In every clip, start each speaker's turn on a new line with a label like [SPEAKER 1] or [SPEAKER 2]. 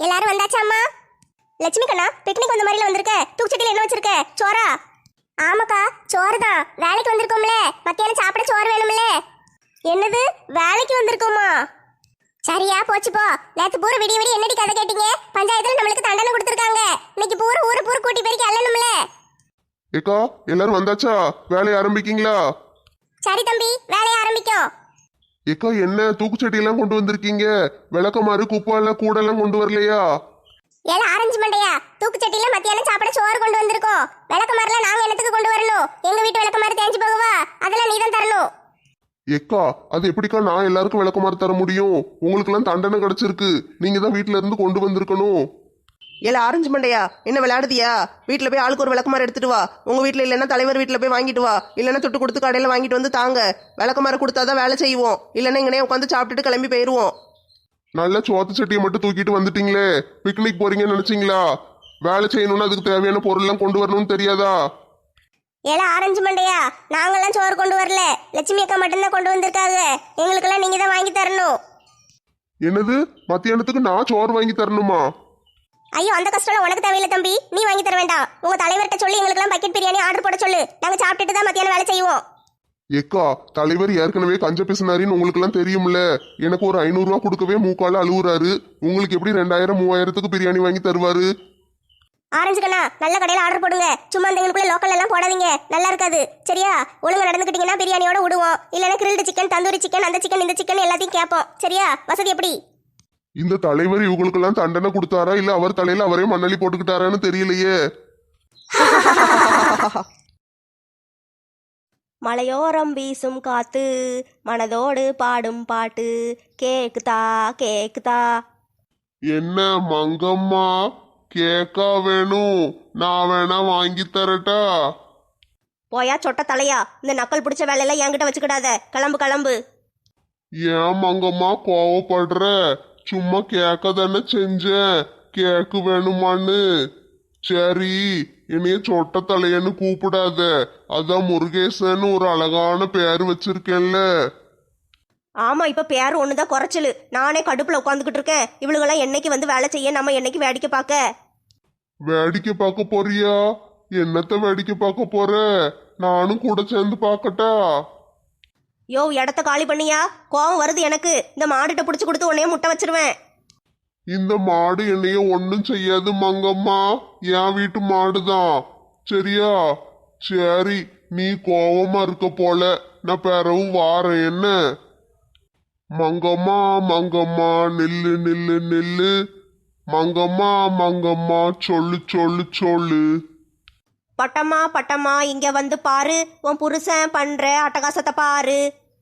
[SPEAKER 1] எல்லாரும் வந்தாச்சா அம்மா? லட்சுமி கண்ணா, பிக்னிக் வந்த மாதிரில வந்திருக்க. தூக்குச்சட்டியில் என்ன வச்சிருக்க? சோறா? ஆமாக்கா, சோறு தான். வேலைக்கு வந்திருக்கோம்ல, மத்தியானம் சாப்பிட சோறு வேணும்ல. என்னது, வேலைக்கு வந்திருக்கோமா? சரியா போச்சு போ. நேத்து பூரா விடிய விடிய என்னடி கதை கேட்டீங்க? பஞ்சாயத்துல நம்மளுக்கு தண்டனை கொடுத்துருக்காங்க. இன்னைக்கு பூரா ஊரு கூட்டி பெருக்கி அள்ளணும்ல.
[SPEAKER 2] ஏக்கா, எல்லாரும் வந்தாச்சா? வேலையை ஆரம்பிக்கீங்களா?
[SPEAKER 1] சரி தம்பி, வேலையை ஆரம்பிக்கும்.
[SPEAKER 2] ஏக்கா, என்ன தூக்குச்சட்டி எல்லாம் கொண்டு வந்திருக்கீங்க? விளக்கமாறு குப்பால கூட எல்லாம் கொண்டு வரலையா?
[SPEAKER 1] ஏல ஆரஞ்சு மண்டையா, தூக்குச்சட்டியில மத்தியானம் சாப்பிட சோறு கொண்டு வந்திருக்கோம். விளக்கமாறுலாம் நாங்க என்னத்துக்கு கொண்டு வரணும்? எங்க வீட்டு விளக்கமாறு தேஞ்சு போகுவா? அதெல்லாம் நீ தான் தரணும்.
[SPEAKER 2] ஏக்கா, அது எப்படிக்கா நான் எல்லாருக்கும் விளக்கமாறு தர முடியும்? உங்களுக்கு எல்லாம் தண்டனை கிடைச்சிருக்கு. நீங்க தான் வீட்டுல இருந்து கொண்டு வந்திருக்கணும்.
[SPEAKER 3] ஏல ஆரஞ்சு மண்டையா, என்ன விளையாடுதியா? வீட்டில் போய் ஆளுக்கு ஒரு விளக்கமாறு எடுத்துட்டு வா. உங்க வீட்டில் இல்லைன்னா தலைவர் வீட்டில் போய் வாங்கிட்டு வா. இல்லைன்னா தொட்டு கொடுத்து கடையில் வாங்கிட்டு வந்து தாங்க. விளக்கமாறு கொடுத்தாதான் வேலை செய்வோம். இல்லைன்னா இங்கனே உட்காந்து சாப்பிட்டுட்டு கிளம்பி போயிடுவோம்.
[SPEAKER 2] நல்ல சோத்து சட்டியை மட்டும் தூக்கிட்டு வந்துட்டீங்களே. பிக்னிக் போறீங்கன்னு நினைச்சீங்களா? வேலை செய்யணும்னு அதுக்கு தேவையான பொருள் எல்லாம் கொண்டு வரணும்னு தெரியாதா?
[SPEAKER 1] ஏல ஆரஞ்சு மண்டையா, நாங்கெல்லாம் சோறு கொண்டு வரல. லட்சுமி அக்கா மட்டும்தான் கொண்டு வந்திருக்காங்க. எங்களுக்கெல்லாம் நீங்க தான் வாங்கி தரணும்.
[SPEAKER 2] என்னது, மத்தியானத்துக்கு நான் சோறு வாங்கி தரணுமா?
[SPEAKER 1] ஐயோ, அந்த கஷ்டம் உனக்கு தேவையில்லை தம்பி, நீ வாங்கி தர வேண்டாம். உங்க தலைவர்கிட்ட சொல்லி எங்களுக்கெல்லாம் பக்கெட் பிரியாணி ஆர்டர் போட சொல்லு. நாங்க சாப்பிட்டுட்டு தான் மத்தியானம் வேலை செய்வோம்.
[SPEAKER 2] ஏக்கா, தலைவர் ஏற்கனவே கஞ்ச பேசினாரின்னு உங்களுக்கு எல்லாம் தெரியும்ல. எனக்கு ஒரு 500 ரூபா கொடுக்கவே மூக்கால அழுவுறாரு. உங்களுக்கு எப்படி 2000 3000த்துக்கு பிரியாணி வாங்கி தருவாரு?
[SPEAKER 1] ஆரஞ்சு கண்ணா, நல்ல கடையில் ஆர்டர் போடுங்க. சும்மா அந்த எங்களுக்குள்ள லோக்கல் எல்லாம் போடாதீங்க, நல்லா இருக்காது. சரியா? ஒழுங்கா நடந்துக்கிட்டீங்கன்னா பிரியாணியோட விடுவோம். இல்லைன்னா கிரில்டு சிக்கன், தந்தூரி சிக்கன், அந்த சிக்கன் இந்த சிக்கன் எல்லாத்தையும் கேட்போம். சரியா? வசதி எப்படி?
[SPEAKER 2] இந்த தலைவர் இவங்களுக்கெல்லாம் தண்டனை கொடுத்தாரா இல்ல அவர் தலையில அவரே மண்ணலி போட்டுக்கிட்டாரான்னு தெரியலையே.
[SPEAKER 4] மலையோரம் வீசும் காத்து மனதோடு பாடும் பாட்டு கேக்குதா கேக்குதா.
[SPEAKER 2] என்ன மங்கம்மா, கேக்கா வேணும்? நான் வேணா வாங்கி தரட்டா?
[SPEAKER 4] போயா சொட்ட தலையா, இந்த நக்கல் பிடிச்ச வேலையெல்லாம் என்கிட்ட வச்சுக்கிடாத. கிளம்பு கிளம்பு.
[SPEAKER 2] ஏன் மங்கம்மா கோவப்படுற? சும்மா கேக்க தானே செஞ்சேன். கேக்கு வேணுமான்னு. சரி, என்னைய சொட்ட தலையன்னு கூப்பிடாத. அதான் முருகேசன் ஒரு அழகான பேரு வச்சிருக்கேன்ல.
[SPEAKER 4] ஆமா, இப்ப பேர் ஒண்ணுதான் குறைச்சலு. நானே கடுப்புல உட்காந்துக்கிட்டு இருக்கேன். இவளுகெல்லாம் என்னைக்கு வந்து வேலை செய்ய, நம்ம என்னைக்கு வேடிக்கை பார்க்க?
[SPEAKER 2] வேடிக்கை பார்க்க போறியா? என்னத்த வேடிக்கை பார்க்க போற? நானும் கூட சேர்ந்து பார்க்கட்டா?
[SPEAKER 4] யோ, இடத்த காலி பண்ணியா? கோவம் வருது எனக்கு. இந்த மாடுகிட்ட பிடிச்சி கொடுத்து உன்னைய முட்டை வச்சிருவேன்.
[SPEAKER 2] இந்த மாடு என்னைய ஒன்னும் செய்யாது மங்கம்மா. என் வீட்டு மாடுதான். சரியா? சரி, நீ கோவமா இருக்க போல. நான் பிறவு வாரேன். என்ன மங்கம்மா, மங்கம்மா நில்லு நில்லு நில்லு. மங்கம்மா, மங்கம்மா சொல்லு சொல்லு சொல்லு.
[SPEAKER 4] பட்டம்மா பட்டம்மா, இங்க வந்து பாரு. உன் புருஷன் பண்ற அட்டகாசத்தை பாரு.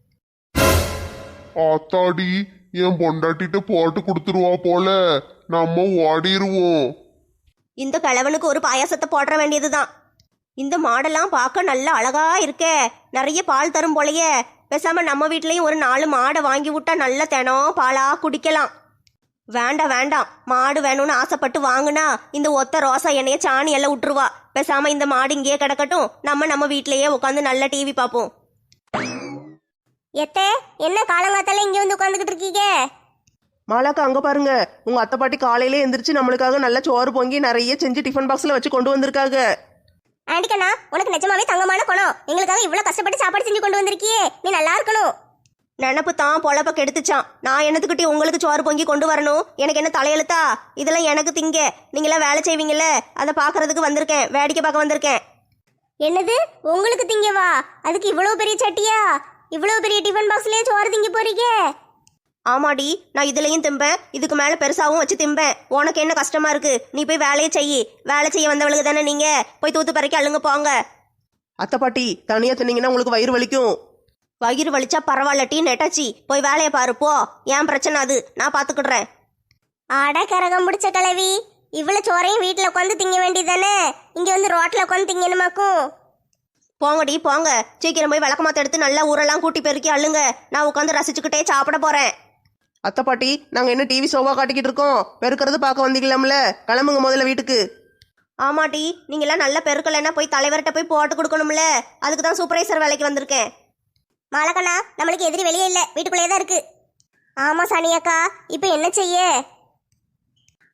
[SPEAKER 2] ஆத்தாடி, என் பொண்டாட்டிட்ட போட்டு கொடுத்துருவா போல. நம்ம ஓடிடுவோம்.
[SPEAKER 4] இந்த கிழவனுக்கு ஒரு பாயாசத்தை போட வேண்டியதுதான். இந்த மாடெல்லாம் பார்க்க நல்ல அழகா இருக்கே. நிறைய பால் தரும் போலயே. பேசாம நம்ம வீட்லயும் ஒரு 4 மாடை வாங்கி விட்டா நல்ல தினம் பாலா குடிக்கலாம். வேண்டாம் வேண்டாம், மாடு வேணும்னு ஆசைப்பட்டு வாங்குனா இந்த ஒத்த ரோசா எண்ணெய சாணி எல்லாம் விட்டுருவா. பேசாம இந்த மாடு இங்கேயே கிடக்கட்டும். நம்ம வீட்லயே உட்காந்து நல்ல டிவி பார்ப்போம்.
[SPEAKER 1] எத்தே, என்ன காலங்காத்தால இங்க வந்து உட்காந்துக்கிட்டு இருக்கீங்க?
[SPEAKER 3] மாலாக்கா, அங்க பாருங்க. உங்க அத்தை பாட்டி காலையிலே எந்திரிச்சு நம்மளுக்காக நல்ல சோறு பொங்கி நிறைய செஞ்சு டிஃபன் பாக்ஸ்ல வச்சு கொண்டு வந்திருக்காங்க.
[SPEAKER 1] ஆண்டிக்கண்ணா, உனக்கு நிஜமாவே தங்கமான குணம். எங்களுக்காக இவ்வளவு கஷ்டப்பட்டு சாப்பாடு செஞ்சு கொண்டு வந்திருக்கியே, நீ நல்லா இருக்கணும்.
[SPEAKER 4] நினப்பு தான் பொழப்ப கெடுத்துச்சான். நான் என்னத்துக்கிட்டி உங்களுக்கு சோறு பொங்கி கொண்டு வரணும்? எனக்கு என்ன தலையெழுத்தா? இதெல்லாம் எனக்கு திங்க. நீங்களாம் வேலை செய்வீங்கல்ல, அதை பார்க்கறதுக்கு வந்திருக்கேன். வேடிக்கை பார்க்க வந்திருக்கேன்.
[SPEAKER 1] என்னது, உங்களுக்கு திங்கவா? அதுக்கு இவ்வளவு பெரிய சட்டியா? இவ்வளவு பெரிய டிஃபன் பாக்ஸ்லயே சோறு திங்க போறீங்க?
[SPEAKER 4] ஆமாடி, நான் இதுலயும் திம்பேன், இதுக்கு மேல பெருசாவும் வச்சு திம்பேன். உனக்கு என்ன கஷ்டமா இருக்கு? நீ போய் வேலையை செய்யி. வேலை செய்ய வந்தவளுக்கு தானே நீங்க. போய் தூத்து பறக்கி அள்ளுங்க போங்க.
[SPEAKER 3] அத்தை பாட்டி, தனியா தின்னீங்கன்னா உங்களுக்கு வயிறு வலிக்கும்.
[SPEAKER 4] வயிறு வலிச்சா பரவாயில்லட்டி நெட்டாச்சி, போய் வேலையை பாரு போ. ஏன் பிரச்சனை அது, நான் பாத்துக்கிடுறேன்.
[SPEAKER 1] ஆட கரகம் முடிச்ச கிளவி, இவ்வளவு சோறையும் வீட்டுல உட்காந்து திங்க வேண்டியதானே? இங்க வந்து ரோட்ல உட்காந்து திங்கணுமாக்கும்?
[SPEAKER 4] போங்கடி போங்க, சீக்கிரம் போய் விளக்கமாத்த எடுத்து நல்லா ஊரெல்லாம் கூட்டி பெருக்கி அள்ளுங்க. நான் உட்காந்து ரசிச்சுக்கிட்டே சாப்பிட போறேன்.
[SPEAKER 3] அத்தை பாட்டி, நாங்க என்ன டிவி ஷோவா காட்டிக்கிட்டு இருக்கோம்? பெருக்கிறது பார்க்க வந்தீங்களாம்ல, கிளம்புங்க முதல்ல வீட்டுக்கு.
[SPEAKER 4] ஆமாட்டி, நீங்களாம் நல்ல பெருக்கலைன்னா போய் தலைவர்கிட்ட போய் போட்டு கொடுக்கணும்ல. அதுக்கு தான் சூப்பர்வைசர் வேலைக்கு வந்திருக்கேன்.
[SPEAKER 1] மாலக்கண்ணா, நம்மளுக்கு எதிரி வெளியே இல்ல, வீட்டுக்குள்ளேயே தான் இருக்கு. ஆமா சனியக்கா, இப்ப என்ன செய்ய?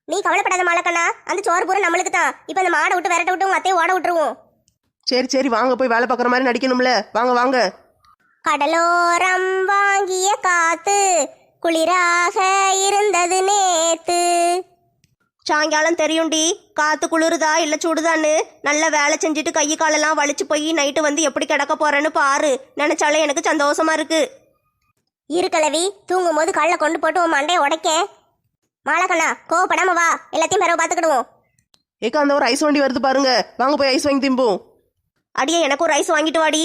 [SPEAKER 1] நீ கவலைப்படாத மாலக்கண்ணா, அந்த சோறு பூரா நம்மளுக்கு தான். இப்போ அந்த மாடை விட்டு விரட்ட விட்டு உங்க அத்தையை ஓட விட்டுருவோம்.
[SPEAKER 3] சரி சரி வாங்க போய் வேலை பார்க்குற மாதிரி நடிக்கணும்ல, வாங்க வாங்க.
[SPEAKER 1] கடலோரம் வாங்கிய காத்து குளிராக இருந்தது நேத்து.
[SPEAKER 4] சாயங்காலம் தெரியும்டி காத்து குளிருதா இல்லை சுடுதான்னு. நல்லா வேலை செஞ்சுட்டு கை காலெல்லாம் வலிச்சு போய் நைட்டு வந்து எப்படி கிடக்க போறேன்னு பாரு. நினைச்சாலே எனக்கு சந்தோஷமா இருக்கு.
[SPEAKER 1] இருக்கலவி, தூங்கும் போது கல்ல கொண்டு போட்டு உன் மண்டையை உடைக்க. மாலக்கண்ணா கோவப்படாம வா, எல்லாத்தையும் பிறகு பார்த்துக்கிடுவோம்.
[SPEAKER 3] ஏக்கா அந்த ஒரு ஐஸ் வண்டி வருது பாருங்க, வாங்க போய் ஐஸ் வாங்கி திம்போம்.
[SPEAKER 4] அடியே எனக்கு ஒரு ரைஸ் வாங்கிட்டு வாடி.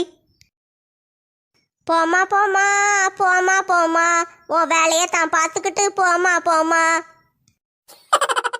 [SPEAKER 1] போமா போமா போமா போமா, உன் வேலையை தான் பார்த்துக்கிட்டு போமா போமா.